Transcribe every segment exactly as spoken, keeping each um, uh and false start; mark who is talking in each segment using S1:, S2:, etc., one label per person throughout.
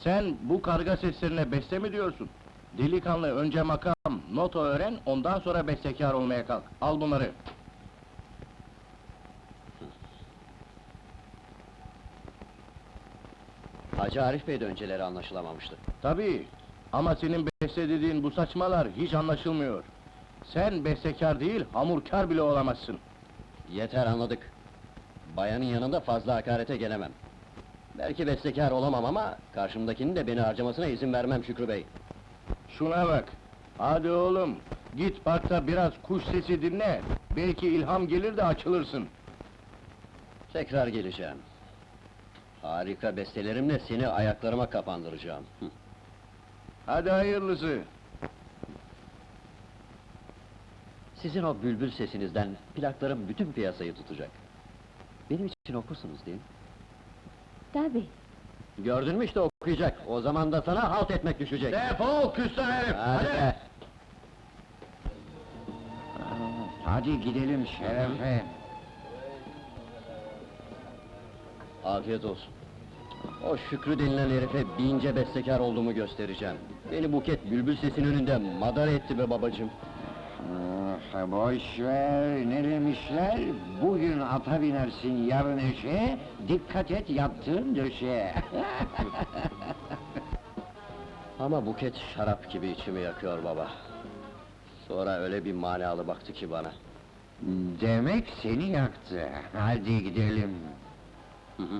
S1: Sen bu karga seslerine beste mi diyorsun? Delikanlı, önce makam, nota öğren, ondan sonra bestekâr olmaya kalk. Al bunları.
S2: Hacı Arif Bey de önceleri anlaşılamamıştı.
S1: Tabii, ama senin beste dediğin bu saçmalar hiç anlaşılmıyor. Sen bestekâr değil, hamurkâr bile olamazsın.
S2: Yeter, anladık. Bayanın yanında fazla hakarete gelemem. Belki bestekâr olamam ama karşımdakinin de beni harcamasına izin vermem Şükrü Bey.
S1: Şuna bak! Hadi oğlum, git parkta biraz kuş sesi dinle, belki ilham gelir de açılırsın.
S2: Tekrar geleceğim. Harika bestelerimle seni ayaklarıma kapandıracağım. Hı.
S1: Hadi hayırlısı!
S2: Sizin o bülbül sesinizden plaklarım bütün piyasayı tutacak. Benim için okursunuz değil mi?
S3: Tabii.
S2: Gördün mü işte okuyacak, o zaman da sana halt etmek düşecek.
S1: Defol küstah herif!
S2: Hadi be!
S1: Hadi gidelim Şerefe!
S2: Afiyet olsun. O Şükrü denilen herife bince bestekâr olduğumu göstereceğim. Beni Buket bülbül sesin önünde madara etti be babacığım.
S4: Ah, boş ver, ne demişler? Bugün ata binersin, yarın eşeğe, dikkat et yattığın döşeye.
S2: Ama Buket şarap gibi içimi yakıyor baba. Sonra öyle bir manalı baktı ki bana.
S4: Demek seni yaktı, hadi gidelim.
S2: Hı hı.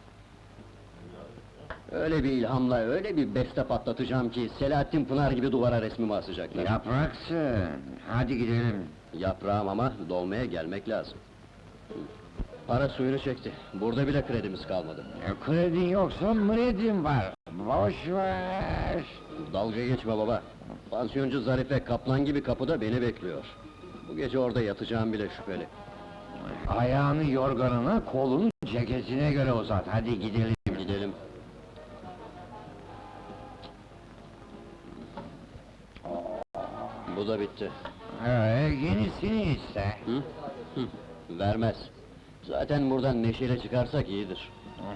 S2: Öyle bir ilhamla, öyle bir beste patlatacağım ki Selahattin Pınar gibi duvara resmimi asacaklar.
S4: Yapraksın, hadi gidelim.
S2: Yaprağım ama dolmaya gelmek lazım. Para suyunu çekti. Burada bile kredimiz kalmadı.
S4: E, Kredin yoksa mredin var, boş ver.
S2: Dalga geçme baba. Pansiyoncu Zarife kaplan gibi kapıda beni bekliyor. Bu gece orada yatacağım bile şüpheli.
S4: Ayağını yorganına, kolunu ceketine göre uzat, hadi gidelim.
S2: Gidelim. Bu da bitti.
S4: Ee, yenisini iste.
S2: Hı? Hı. Vermez. Zaten buradan neşeyle çıkarsak iyidir.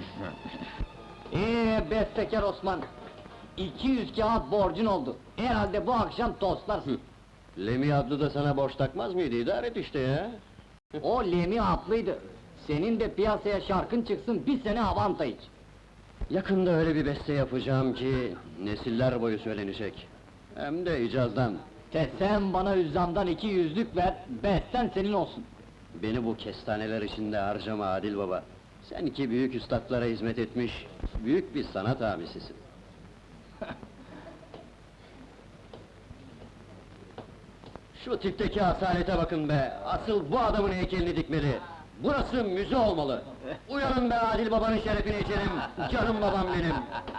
S5: Ee bestekar Osman, iki yüz kağıt borcun oldu. Herhalde bu akşam toslarsın.
S2: Lemi adlı da sana borç takmaz mıydı? İdare et işte ya.
S5: O Lemi haklıydı. Senin de piyasaya şarkın çıksın, bir sene avanta iç.
S2: Yakında öyle bir beste yapacağım ki nesiller boyu söylenecek. Hem de icazdan.
S5: Te sen bana üzzamdan iki yüzlük ver, besten senin olsun.
S2: Beni bu kestaneler içinde harcama Adil baba. Sen iki büyük üstadlara hizmet etmiş, büyük bir sanat abisisin. Şu tipteki asalete bakın be! Asıl bu adamın heykelini dikmeli! Burası müze olmalı! Uyanın be Adil babanın şerefine içelim! Canım babam benim!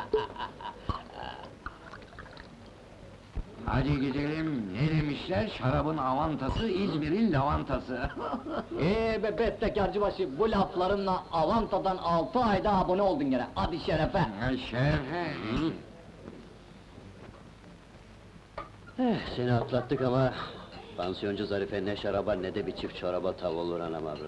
S4: Hadi gidelim, ne demişler? Şarabın avantası, İzmir'in lavantası.
S5: Ee be bestekarcıbaşı, bu laflarınla avantadan altı ayda abone oldun gene. Hadi şerefe!
S4: Ha, şerefe!
S2: Eh, seni atlattık ama... Pansiyoncu Zarife ne şaraba ne de bir çift çoraba tav olur anam avradım.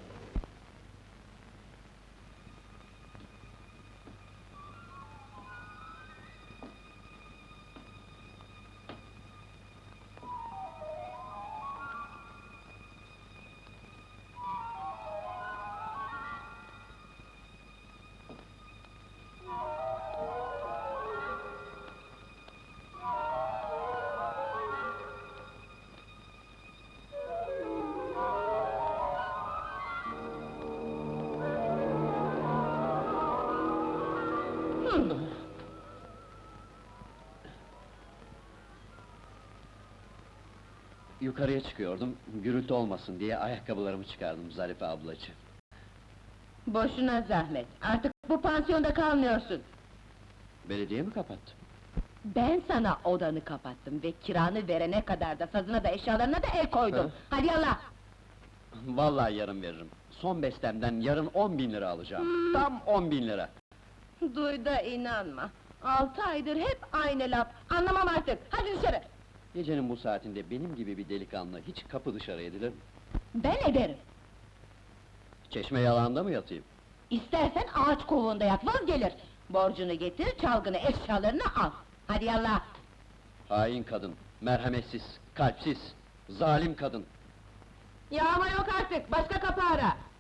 S2: Yukarıya çıkıyordum, gürültü olmasın diye ayakkabılarımı çıkardım Zarife ablacığım.
S3: Boşuna zahmet, artık bu pansiyonda kalmıyorsun.
S2: Belediye mi kapattı?
S3: Ben sana odanı kapattım ve kiranı verene kadar da sazına da eşyalarına da el koydum.
S2: Hı.
S3: Hadi yallah!
S2: Vallahi yarın veririm. Son bestemden yarın on bin lira alacağım.
S3: Hmm.
S2: Tam on bin lira.
S3: Duy da inanma. Altı aydır hep aynı laf, anlamam artık, hadi dışarı!
S2: Gecenin bu saatinde benim gibi bir delikanlı hiç kapı dışarı edilir mi?
S3: Ben ederim!
S2: Çeşme yalağında mı yatayım?
S3: İstersen ağaç kovuğunda yat, vaz gelir! Borcunu getir, çalgını, eşyalarını al. Hadi yallah!
S2: Hain kadın, merhametsiz, kalpsiz, zalim kadın.
S3: Yağma yok artık, başka kapı ara!